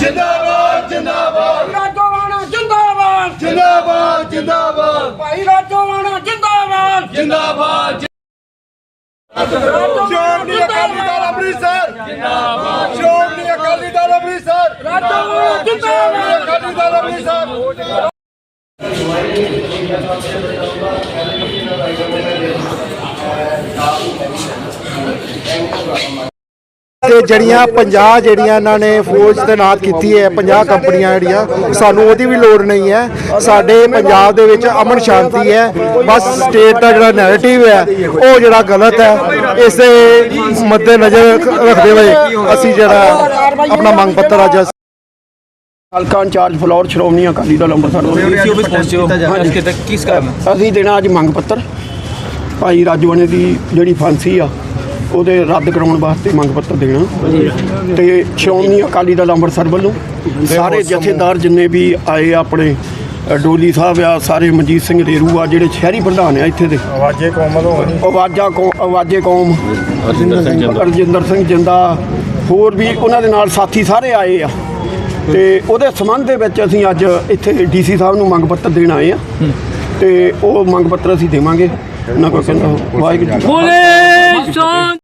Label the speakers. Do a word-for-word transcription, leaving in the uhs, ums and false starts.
Speaker 1: जिंदाबाद जिंदाबाद
Speaker 2: राजोवाना जिंदाबाद
Speaker 1: जिंदाबाद जिंदाबाद
Speaker 2: भाई राजोवाना जिंदाबाद
Speaker 1: जिंदाबाद
Speaker 2: राजोवाना जिंदाबाद
Speaker 1: अमृतसर जिंदाबाद श्रोमणी अकाली दल अमृतसर
Speaker 2: राजोवाना जिंदाबाद
Speaker 1: अकाली दल अमृतसर
Speaker 3: ਤੇ ਜਿਹੜੀਆਂ ਪੰਜਾਹ ਜਿਹੜੀਆਂ ਇਹਨਾਂ ਨੇ ਫੌਜ ਤੈਨਾਤ ਕੀਤੀ ਹੈ ਪੰਜਾਹ ਕੰਪਨੀਆਂ ਜਿਹੜੀਆਂ ਸਾਨੂੰ ਉਹਦੀ ਵੀ ਲੋੜ ਨਹੀਂ ਹੈ। ਸਾਡੇ ਪੰਜਾਬ ਦੇ ਵਿੱਚ ਅਮਨ ਸ਼ਾਂਤੀ ਹੈ। ਬਸ ਸਟੇਟ ਦਾ ਜਿਹੜਾ ਨੈਰੇਟਿਵ ਹੈ ਉਹ ਜਿਹੜਾ ਗਲਤ ਹੈ। ਇਸੇ ਮੱਦੇ ਨਜ਼ਰ ਰੱਖਦੇ ਹੋਏ ਅਸੀਂ ਜਿਹੜਾ ਆਪਣਾ ਮੰਗ ਪੱਤਰ ਅੱਜ
Speaker 4: ਹਲਕਾ ਇੰਚਾਰਜ ਫਲੋਰ ਸ਼੍ਰੋਮਣੀ ਅਕਾਲੀ ਦਲ ਅੰਮ੍ਰਿਤਸਰ ਅਸੀਂ ਦੇਣਾ ਅੱਜ ਮੰਗ ਪੱਤਰ ਭਾਈ ਰਾਜੋਵਾਨੇ ਦੀ ਜਿਹੜੀ ਫਾਂਸੀ ਆ ਉਹਦੇ ਰੱਦ ਕਰਾਉਣ ਵਾਸਤੇ ਮੰਗ ਪੱਤਰ ਦੇਣਾ ਤੇ ਸ਼੍ਰੋਮਣੀ ਅਕਾਲੀ ਦਲ ਅੰਮ੍ਰਿਤਸਰ ਵੱਲੋਂ ਸਾਰੇ ਜਥੇਦਾਰ ਜਿੰਨੇ ਵੀ ਆਏ ਆਪਣੇ ਡੋਲੀ ਸਾਹਿਬ ਆ ਸਾਰੇ ਮਨਜੀਤ ਸਿੰਘ ਰੇਰੂ ਆ ਜਿਹੜੇ ਸ਼ਹਿਰੀ ਪ੍ਰਧਾਨ ਆ ਇੱਥੇ ਦੇ ਆਵਾਜ਼ੇ ਕੌਮ ਆਵਾਜ਼ਾ ਕੌਮ ਆਵਾਜ਼ੇ ਕੌਮ ਰਜਿੰਦਰ ਸਿੰਘ ਜਿੰਦਾ ਹੋਰ ਵੀ ਉਹਨਾਂ ਦੇ ਨਾਲ ਸਾਥੀ ਸਾਰੇ ਆਏ ਆ ਤੇ ਉਹਦੇ ਸੰਬੰਧ ਦੇ ਵਿੱਚ ਅਸੀਂ ਅੱਜ ਇੱਥੇ ਡੀ ਸੀ ਸਾਹਿਬ ਨੂੰ ਮੰਗ ਪੱਤਰ ਦੇਣ ਆਏ ਆ ਤੇ ਉਹ ਮੰਗ ਪੱਤਰ ਅਸੀਂ ਦੇਵਾਂਗੇ ਉਹਨਾਂ ਕੋਲ ਕਹਿੰਦਾ ਵਾਹਿਗੁਰੂ